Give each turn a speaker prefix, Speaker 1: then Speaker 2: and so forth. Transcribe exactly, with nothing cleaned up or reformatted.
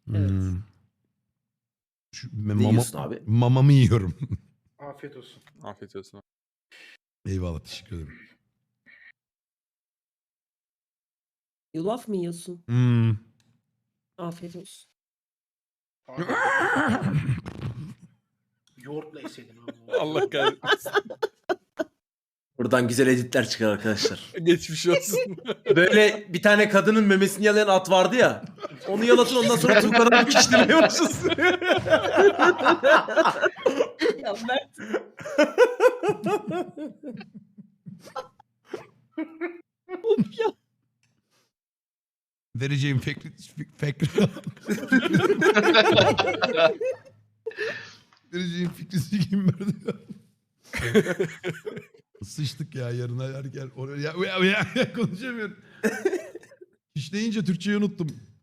Speaker 1: Evet.
Speaker 2: Hmm. Şu,
Speaker 3: Ne
Speaker 2: mama,
Speaker 3: yiyorsun abi?
Speaker 2: mamamı yiyorum.
Speaker 4: Afiyet olsun.
Speaker 5: Afiyet olsun.
Speaker 2: Eyvallah, teşekkür ederim.
Speaker 1: Yulaf mı yiyorsun?
Speaker 2: Hmm.
Speaker 1: Afiyet olsun.
Speaker 4: Abi, yoğurtla yeseydin abi.
Speaker 5: Allah kahretmesin.
Speaker 3: Buradan güzel editler çıkar arkadaşlar.
Speaker 5: Geçmiş olsun.
Speaker 3: Böyle bir tane kadının memesini yalayan at vardı ya. Onu yalatın, ondan sonra Tuğkan'a dikiştirmeye başlasın.
Speaker 1: Ya Mert. Of ya.
Speaker 2: Vereceğim fikri... fikri... Vereceğim fikri sikeyim verdi. Sıçtık ya yarına her gel. Oraya ya, ya, ya, konuşamıyorum. İşleyince Türkçeyi unuttum.